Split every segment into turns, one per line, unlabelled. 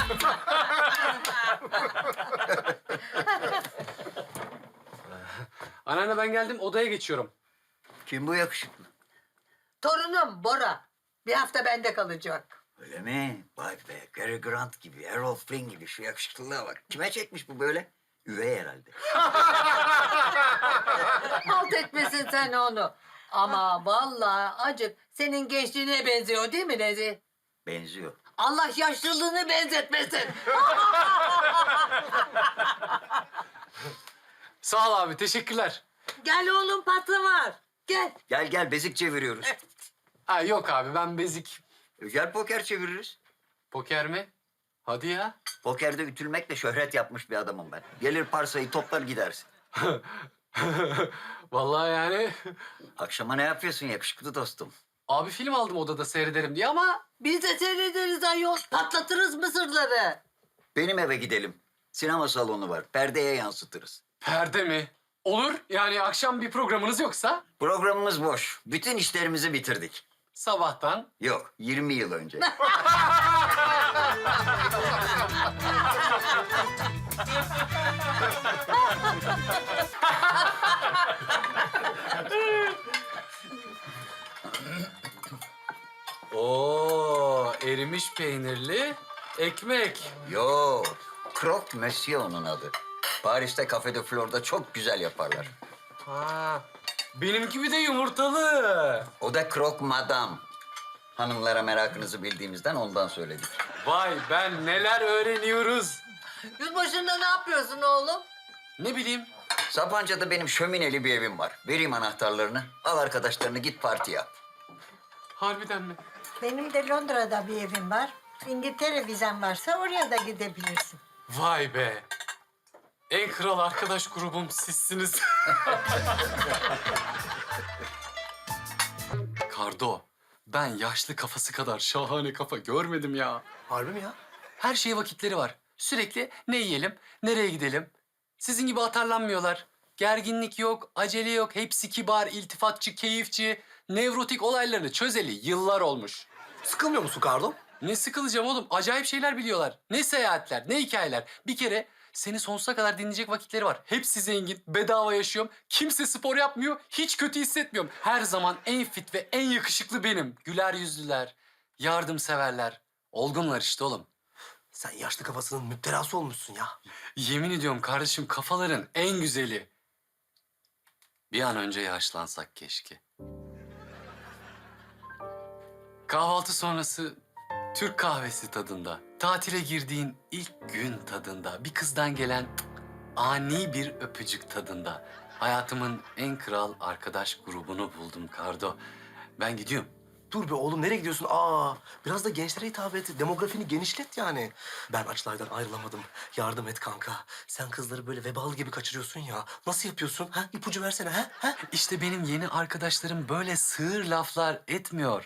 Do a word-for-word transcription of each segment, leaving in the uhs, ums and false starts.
Anneanne ben geldim, odaya geçiyorum.
Kim bu yakışıklı?
Torunum Bora. Bir hafta bende kalacak.
Öyle mi? Vay be, Cary Grant gibi, Errol Flynn gibi şu yakışıklılığa bak. Kime çekmiş bu böyle? Üvey herhalde.
Halt etmesin sen onu. Ama vallahi acık senin gençliğine benziyor değil mi Nezih?
Benziyor.
Allah yaşlılığını benzetmesin.
Sağ ol abi, teşekkürler.
Gel oğlum patlı var. Gel.
Gel gel, bezik çeviriyoruz.
Ha yok abi, ben bezik.
Gel poker çeviririz.
Poker mi? Hadi ya.
Pokerde ütülmekle şöhret yapmış bir adamım ben. Gelir parsayı toplar gidersin.
Vallahi yani.
Akşama ne yapıyorsun yakışıklı dostum?
Abi film aldım odada seyrederim diye ama...
Biz de seyrederiz ayol. Patlatırız mısırları.
Benim eve gidelim. Sinema salonu var. Perdeye yansıtırız.
Perde mi? Olur. Yani akşam bir programınız yoksa
Programımız boş. Bütün işlerimizi bitirdik.
sabahtan.
Yok, yirmi yıl önce.
Oo, erimiş peynirli ekmek.
Yo, Croque Monsieur onun adı. Paris'te Café de Flor'da çok güzel yaparlar.
Ha, benim gibi de yumurtalı.
O da Croque Madame. Hanımlara merakınızı bildiğimizden ondan söyledik.
Vay ben neler öğreniyoruz.
Yılbaşında ne yapıyorsun oğlum?
Ne bileyim.
Sapanca'da benim şömineli bir evim var. Vereyim anahtarlarını. Al arkadaşlarını git parti yap.
Harbiden mi?
Benim de Londra'da bir evim var. İngiltere vizen varsa oraya da gidebilirsin.
Vay be. En kral arkadaş grubum sizsiniz. Kardo, ben yaşlı kafası kadar şahane kafa görmedim ya.
Harbi mi ya?
Her şeye vakitleri var. Sürekli ne yiyelim, nereye gidelim. Sizin gibi atarlanmıyorlar. Gerginlik yok, acele yok. Hepsi kibar, iltifatçı, keyifçi. Nevrotik olaylarını çözeli yıllar olmuş.
Sıkılmıyor musun Kardo?
Ne sıkılacağım oğlum? Acayip şeyler biliyorlar. Ne seyahatler, ne hikayeler. Bir kere seni sonsuza kadar dinleyecek vakitleri var. Hepsi zengin, bedava yaşıyorum. Kimse spor yapmıyor, hiç kötü hissetmiyorum. Her zaman en fit ve en yakışıklı benim. Güler yüzlüler, yardımseverler. Olgunlar işte oğlum.
Sen yaşlı kafasının müptelası olmuşsun ya.
Yemin ediyorum kardeşim kafaların en güzeli. Bir an önce yaşlansak keşke. Kahvaltı sonrası Türk kahvesi tadında, tatile girdiğin ilk gün tadında, bir kızdan gelen ani bir öpücük tadında. Hayatımın en kral arkadaş grubunu buldum Kardo. Ben gidiyorum.
Dur be oğlum, nereye gidiyorsun? Aa, biraz da gençlere hitap et. Demografini genişlet yani. Ben açlardan ayrılamadım. Yardım et kanka. Sen kızları böyle vebalı gibi kaçırıyorsun ya. Nasıl yapıyorsun? Ha? İpucu versene ha? ha?
İşte benim yeni arkadaşlarım böyle sığır laflar etmiyor.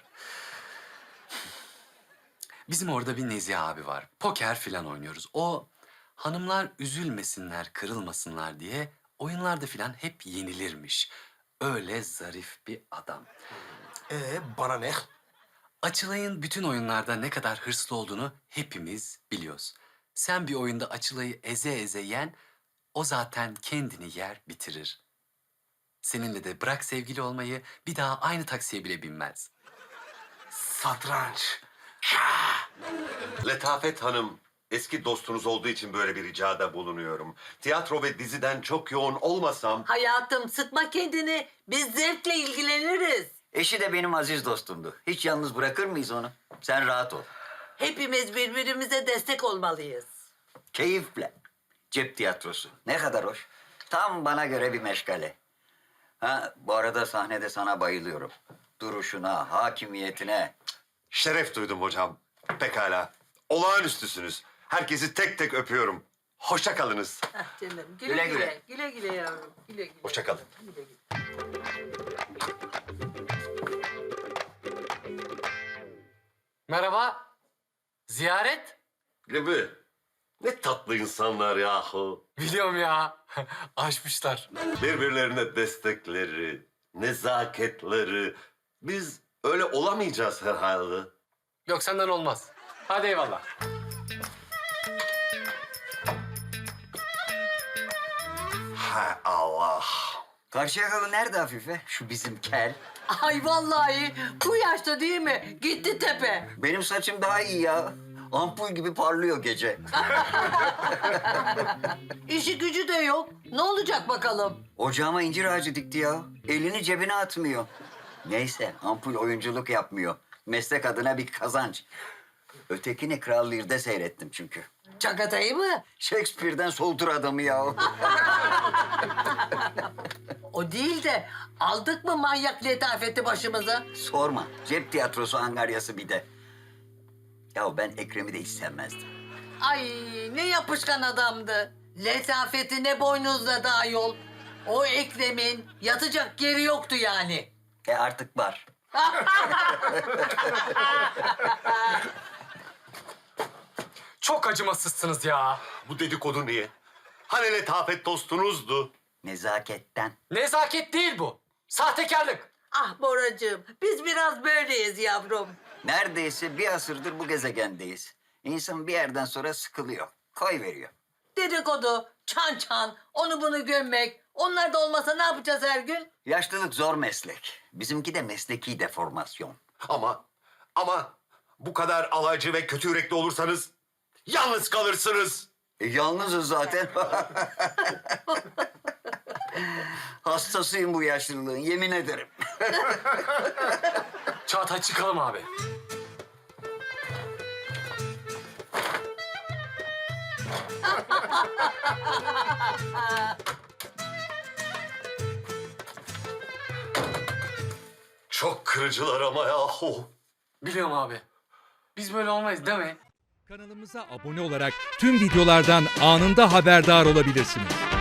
Bizim orada bir Nezih abi var. Poker filan oynuyoruz. O hanımlar üzülmesinler, kırılmasınlar diye oyunlarda filan hep yenilirmiş. Öyle zarif bir adam.
Ee, bana ne?
Açılay'ın bütün oyunlarda ne kadar hırslı olduğunu hepimiz biliyoruz. Sen bir oyunda Açılay'ı eze eze yen, o zaten kendini yer bitirir. Seninle de bırak sevgili olmayı, bir daha aynı taksiye bile binmez.
Satranç.
Letafet Hanım, eski dostunuz olduğu için böyle bir ricada bulunuyorum. Tiyatro ve diziden çok yoğun olmasam...
Hayatım sıkma kendini. Biz zevkle ilgileniriz.
Eşi de benim aziz dostumdu. Hiç yalnız bırakır mıyız onu? Sen rahat ol.
Hepimiz birbirimize destek olmalıyız.
Keyifle. Cep tiyatrosu. Ne kadar hoş. Tam bana göre bir meşgale. Ha, bu arada sahnede sana bayılıyorum. Duruşuna, hakimiyetine.
Şeref duydum hocam. Pekala. Olağanüstüsünüz. Herkesi tek tek öpüyorum. Hoşça kalınız.
Ah canım.
Güle
Güle
güle.
güle. Güle güle yavrum. Güle güle.
Hoşça kalın.
Güle güle.
Merhaba. Ziyaret?
Gibi. Ne tatlı insanlar yahu.
Biliyorum ya. Aşmışlar.
Birbirlerine destekleri, nezaketleri. Biz öyle olamayacağız herhalde.
Yok senden olmaz. Hadi eyvallah.
Hay Allah.
Karşıyakalı nerede Afife? Şu bizim kel.
Ay vallahi bu yaşta değil mi? Gitti tepe.
Benim saçım daha iyi ya. Ampul gibi parlıyor gece.
İşi gücü de yok. Ne olacak bakalım?
Ocağıma incir ağacı dikti ya. Elini cebine atmıyor. Neyse ampul oyunculuk yapmıyor. Meslek adına bir kazanç. Ötekini Kral Lear'de seyrettim çünkü.
Çakatayı mı?
Shakespeare'den soldur adamı ya.
O değil de aldık mı manyak letafeti başımıza?
Sorma. Cep tiyatrosu angaryası bir de. Ya ben Ekrem'i de hiç sevmezdim.
Ay ne yapışkan adamdı. Letafeti ne boynuzladı ayol. O Ekrem'in yatacak yeri yoktu yani.
E artık var.
Çok acımasızsınız ya.
Bu dedikodu niye? Hani letafet dostunuzdu?
Nezaketten.
Nezaket değil bu. Sahtekarlık.
Ah Boracığım biz biraz böyleyiz yavrum.
Neredeyse bir asırdır bu gezegendeyiz. İnsan bir yerden sonra sıkılıyor. Koy veriyor.
Dedikodu, çan çan, onu bunu gömmek. Onlar da olmasa ne yapacağız her gün?
Yaşlılık zor meslek. Bizimki de mesleki deformasyon.
Ama, ama bu kadar alaycı ve kötü yürekli olursanız yalnız kalırsınız.
E, yalnızız zaten. Hastasıyım bu yaşlılığın, yemin ederim.
Çağatay çıkalım abi.
Çok kırıcılar ama yahu.
Biliyorum abi. Biz böyle olmayız değil mi?
Kanalımıza abone olarak tüm videolardan anında haberdar olabilirsiniz.